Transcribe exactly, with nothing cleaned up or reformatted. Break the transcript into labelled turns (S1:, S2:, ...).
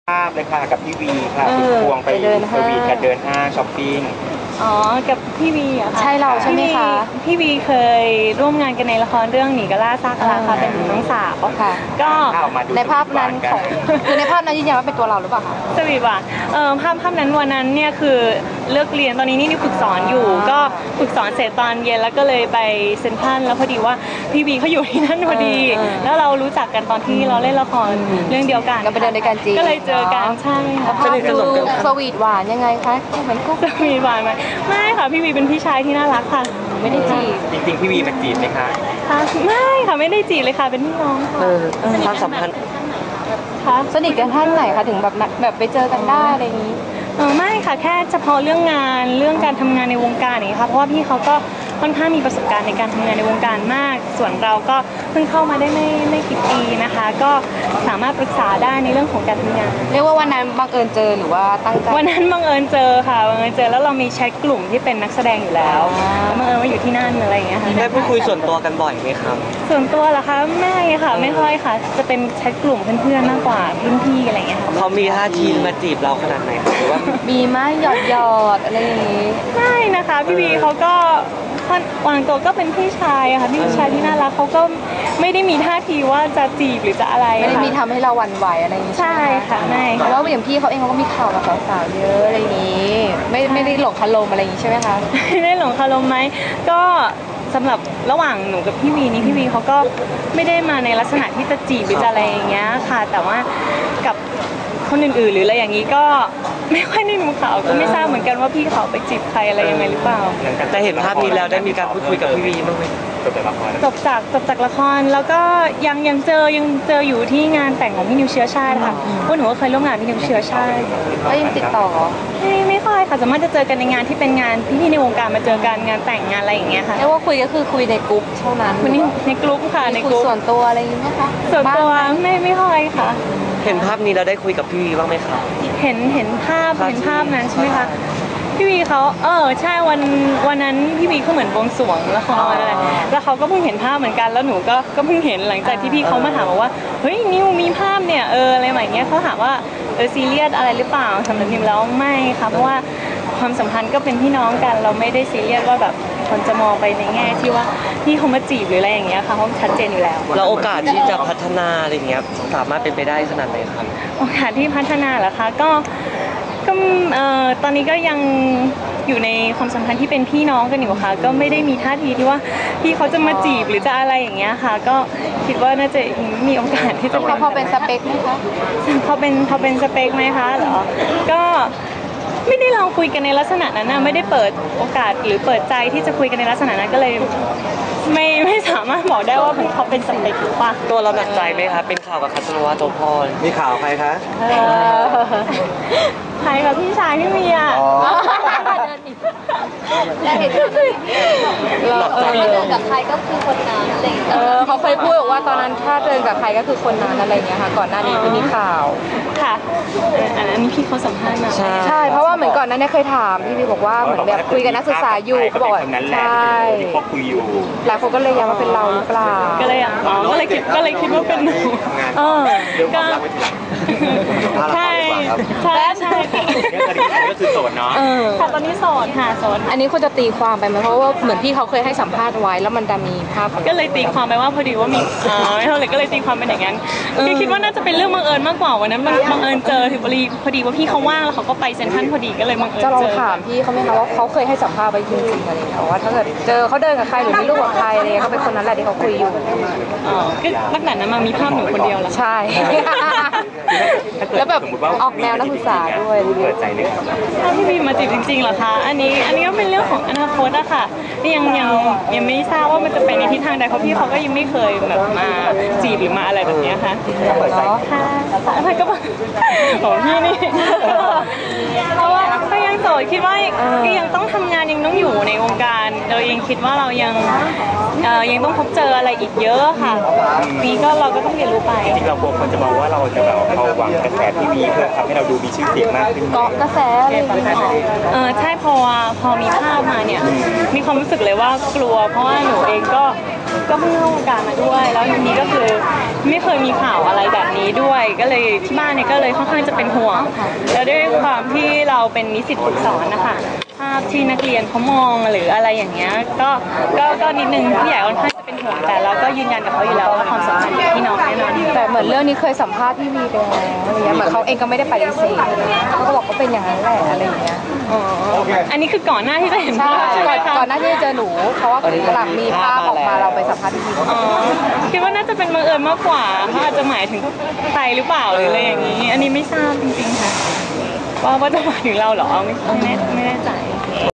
S1: ภาพเลยค่ะกับพี่วีค่ะคุณควงไปสวีทกันเดินห้างช้อปปิ้ง
S2: อ๋อกับพี่วีอะค่ะ
S3: ใช่เราใช่ไหมคะ
S2: พี่วีเคยร่วมงานกันในละครเรื่องหนีกะล่าซากลาค่ะเป็นน้องสาว
S3: ค่ะ
S2: ก็
S3: ในภาพนั้นของคือในภาพนั้นยืนยันว่าเป็นตัวเราหรือเปล่าคะ
S2: สวีทว่ะเออภาพภาพนั้นวันนั้นเนี่ยคือเลิกเรียนตอนนี้นี่ฝึกสอนอยู่ก็ฝึกสอนเสร็จตอนเย็นแล้วก็เลยไปเซ็นทรัลแล้วพอดีว่าพี่วีเขาอยู่ที่นั่นพอดีแล้วเรารู้จักกันตอนที่เราเล่นละครเรื่องเดียวกัน
S3: ก็ไปเดินด้วยกันจริง
S2: ก็เลยเจอกันใช่
S3: ภาพดูสวีทหวานยังไงคะเหมือนก็
S2: สวีทหวานไหมไม่ค่ะพี่วีเป็นพี่ชายที่น่ารักค่ะ
S3: ไม่ได้จีบ
S1: จริงๆพี่วีมาจีบไหมคะ
S2: ไม่ค่ะไม่ได้จีบเลยค่ะเป็นพี่น้องค่ะ
S3: ความสัมพันธ์
S2: ค่ะ
S3: สนิทกันท่านไหนคะถึงแบบแบบไปเจอกันได้อะไรอย่างนี้
S2: เออไม่ค่ะแค่เฉพาะเรื่องงานเรื่องการทำงานในวงการนี้ค่ะเพราะว่าพี่เขาก็ค่อนข้างมีประสบการณ์ในการทำงานในวงการมากส่วนเราก็เพิ่งเข้ามาได้ไม่ไม่กี่ปีนะคะก็สามารถปรึกษาได้ในเรื่องของการทำงาน
S3: เรียกว่าวันนั้นบังเอิญเจอหรือว่าตั้งใจ
S2: วันนั้นบังเอิญเจอค่ะบังเอิญเจอแล้วเรามีแชทกลุ่มที่เป็นนักแสดงอยู่แล้วบังเอิญว่าอยู่ที่นั่นอะไรอย่างเงี้ยค่ะ
S4: ได้พูดคุยส่วนตัวกันบ่อยไหมครับ
S2: ส่วนตัวเหรอคะไม่ค่ะไม่ค่อยค่ะจะเป็นแชทกลุ่มเพื่อนๆมากกว่ารุ่นพี่อะไรอย่างเงี้ยค่ะ
S4: เขามีท่าทีมาจีบเราขนาดไหนหรือว่า
S3: มีไหมหยอดหยอดอะไรอย่างนี้
S2: ไม่นะคะพี่วีเขาก็วางตัวก็เป็นพี่ชายค่ะพี่ชายที่น่ารักเขาก็ไม่ได้มีท่าทีว่าจะจีบหรือจะอะไร
S3: ไม่ได้มีทำให้เราหวั่นไหวอะไรอย่างนี้
S2: ใช่ค่ะไม่
S3: เพราะว่าอย่างพี่เขาเองเขาก็มีข่าวกับสาวๆเยอะอะไรอย่างนี้ไม่ไม่ได้หลงคารมอะไรอย่างนี้ใช่ไหมคะ
S2: ไม่ได้หลงคารมไหมก็สำหรับระหว่างหนูกับพี่วีนี้พี่วีเขาก็ไม่ได้มาในลักษณะที่จะจีบหรือจะอะไรอย่างเงี้ยค่ะแต่ว่ากับคนอื่นๆหรืออะไรอย่างนี้ก็ไม่ค่อยได้ดูข่าวก็ไม่ทราบเหมือนกันว่าพี่เขาไปจีบใครอะไรยังไงหรือเปล่า
S4: แต่เห็นภาพนี้แล้วได้มีการพูดคุยกับพี่วีบ้างไหม
S1: จบจากละคร
S2: จบจากจบจากละครแล้วก็ยังยังเจอยังเจออยู่ที่งานแต่งของพี่นิวเชื้อชาติค่ะพวกหนูก็เคยร่วมงานพี่นิวเชื้อชาติ
S3: ก็ยังติดต่อ
S2: ไม่ไม่ค่อยค่ะสามารถจะเจอกันในงานที่เป็นงานพี่ๆในวงการมาเจอกันงานแต่งงานอะไรอย่างเงี้ยค่ะ
S3: เรียกว่าคุยก็คือคุยในกลุ่มเท่านั้น
S2: วันนี้ในกลุ่มค่ะในกลุ่ม
S3: ส่วนตัวอะไรอย่างเงี้ยคะ
S2: ส่วนตัวไม่ไม่ค่อยค่ะ
S4: เห็นภาพนี้เราได้คุยกับพี่วีบ้างไหมคะ
S2: เห็นเห็นภาพเห็นภาพนั้นใช่ไหมคะพี่วีเขาเออใช่วันวันนั้นพี่วีเขาเหมือนบวงสรวงละครอะไรแล้วเขาก็เพิ่งเห็นภาพเหมือนกันแล้วหนูก็ก็เพิ่งเห็นหลังจากที่พี่เขามาถามว่าเฮ้ยนิวมีภาพเนี่ยเอออะไรแบบเงี้ยเขาถามว่าเออซีเรียสอะไรหรือเปล่าสำหรับนิวแล้วไม่ค่ะเพราะว่าความสัมพันธ์ก็เป็นพี่น้องกันเราไม่ได้ซีเรียสว่าแบบคนจะมองไปในแง่ที่ว่าพี่เขามาจีบหรืออะไรอย่างเงี้ยค่ะเขาชัดเจนอยู่แล้ว
S4: แล้วโอกาสที่จะพัฒนาอะไรเงี้ยสามารถเป็นไปได้ขนาดไหนครับ
S2: โอกาสที่พัฒนาเหรอคะก็ก็เอ่อตอนนี้ก็ยังอยู่ในความสัมพันธ์ที่เป็นพี่น้องกันอยู่ค่ะก็ไม่ได้มีท่าทีที่ว่าพี่เขาจะมาจีบหรือจะอะไรอย่างเงี้ยค่ะก็คิดว่าน่าจะมีโอกาสที่จะ
S3: พอเป็นสเปคไหมคะ
S2: พอเป็นพอเป็นสเปคไหมคะเหรอก็ไม่ได้ลองคุยกันในลักษณะนั้นนะไม่ได้เปิดโอกาสหรือเปิดใจที่จะคุยกันในลักษณะนั้นก็เลยไม่ไม่สามารถบอกได้ว่าเขาเป็นสเปคหรือเปล่า
S4: ตัวเราหนักใจไหมคะเป็นข่าวกับคัตโนวาโตพร
S1: มีข่าวใครคะ
S2: ใครกับพี่ชายพี่เมีย
S3: แล้วเห็นเราเดินกับใครก็คือคนนั้นอะไรเออเขาเคยพูดว่าตอนนั้นถ้าเดินกับใครก็คือคนนั้นอะไรอย่างเงี้ยค่ะก่อนหน้านี้ที่มีข่าว
S2: ค่ะอันนั้นพี่เขาสัมภาษณ์มา
S3: ใช่ใช่เพราะว่าเหมือนก่อนนั้นเนี่ยเคยถามพี่พี่บอกว่าเหมือนแบบคุยกับนักศึกษาอยู่เขาบอกใช่
S1: เขาคุยอยู่
S3: หลายคนก็เลยย้ำว่าเป็นเราหรือเปล่า
S2: ก็เลยอ๋อก็เลยคิดก็เลยคิดว่าเป็นหนูเออก็ใช่ใช่ใช่
S1: ก็คือโสดเนาะ
S2: ค่ะตอนนี้โสดค่ะโสด
S3: อันนี้คุณจะตีความไปไหมเพราะว่าเหมือนพี่เขาเคยให้สัมภาษณ์ไว้แล้วมันจะมีภาพ
S2: ก็เลยตีความไปว่าพอดีว่ามีอ๋อไม่เท่าไหร่ก็เลยตีความเป็นอย่างนั้นคือคิดว่าน่าจะเป็นเรื่องบังเอิญมากกว่าวันนั้นบังเอิญเจอถึงพอดีพอดีว่าพี่เขาว่างแล้วเขาก็ไปเซ็นทรัลพอดีก็เลยบังเอิญเจอ
S3: จะลองถามพี่เขาไหมคะว่าเขาเคยให้สัมภาษณ์ไว้จริงๆอะไรอย่างเงี้ยว่าถ้าเกิดเจอเขาเดินกับใครหรือมีลูกกับใครอะไรเขาเป็นคนนั้นแหละที่เขาคุยอยู่
S2: อ๋อก็ลักษณะนั้นมามีภาพหนูคนเดียวแล้ว
S3: ใช่แล้วแบบออกแนวนักศึกษาด้วย
S1: เปิดใจเลยครับ
S2: ถ้าพี่บีมาจีบจริงๆเหรอคะอันนี้อันนี้ก็เป็นเรื่องของอนาคตอะค่ะยังยังยังไม่ทราบว่ามันจะไปในทิศทางใดเพราะพี่เขาก็ยังไม่เคยแบบมาจีบหรือมาอะไรแบบนี้ค่ะค่ะอะไรก็บอกของพี่นี่เพราะว่าก็ยังโสดคิดว่าก็ยังต้องทำงานยังต้องอยู่ในวงการเรายังคิดว่าเรายังยังต้องพบเจออะไรอีกเยอะค่ะนี่ก็เราก็ต้องเรียนรู้ไป
S1: จริงเรากลัวคนจะมองว่าเราจะแบบเอาหวังกระแสทีวีเพื่อทำให้เราดูมีชื่อเสียงมากขึ้น
S3: เกาะกระแสอะไรอย่างเงี้ย
S2: เออใช่พอพอมีภาพมาเนี่ยมีความรู้สึกเลยว่ากลัวเพราะว่าหนูเองก็ก็เพิ่งเข้าวงการมาด้วยแล้วทีนี้ก็คือไม่เคยมีข่าวอะไรแบบนี้ด้วย ก็เลยที่บ้านเนี่ยก็เลยค่อนข้างจะเป็นห่วงแล้วด้วยความที่เราเป็นนิสิตฝึกสอนนะคะภาพที่นักเรียนเขามองหรืออะไรอย่างเงี้ยก็ก็ก็นิดนึงผู้ใหญ่ค่อนข้างจะเป็นห่วงแต่เราก็ยืนยันกับเขาอยู่แล้วว่าความสัมพันธ์กับพี่น้องแน่นอน
S3: แต่เหมือนเรื่องนี้เคยสัมภาษณ์พี่วีไปแล้วอะไรเงี้ยเหมือนเขาเองก็ไม่ได้ปฏิเสธเขาก็บอกว่าเป็นอย่างนั้นแหละอะไรอย่างเงี้ย
S2: อ๋ออันนี้คือก่อนหน้าที่จะเห็น
S3: ใช่
S2: ภาพใช่ไหม
S3: ก่อน
S2: คะ
S3: ก่อนหน้าที่จะเจอหนูเพราะว่าหลังมีภาพออกมาเราไปสัมภาษณ์พี่วี
S2: อ๋อคิดว่าน่าจะเป็นบังเอิญมากกว่าเขาอาจจะหมายถึงใครหรือเปล่าหรืออะไรอย่างนี้ อันนี้ไม่ทราบจริงๆค่ะว่าว่าจะหมายถึงเราเหรอไม่ไม่แน่ไม่แน่ใจ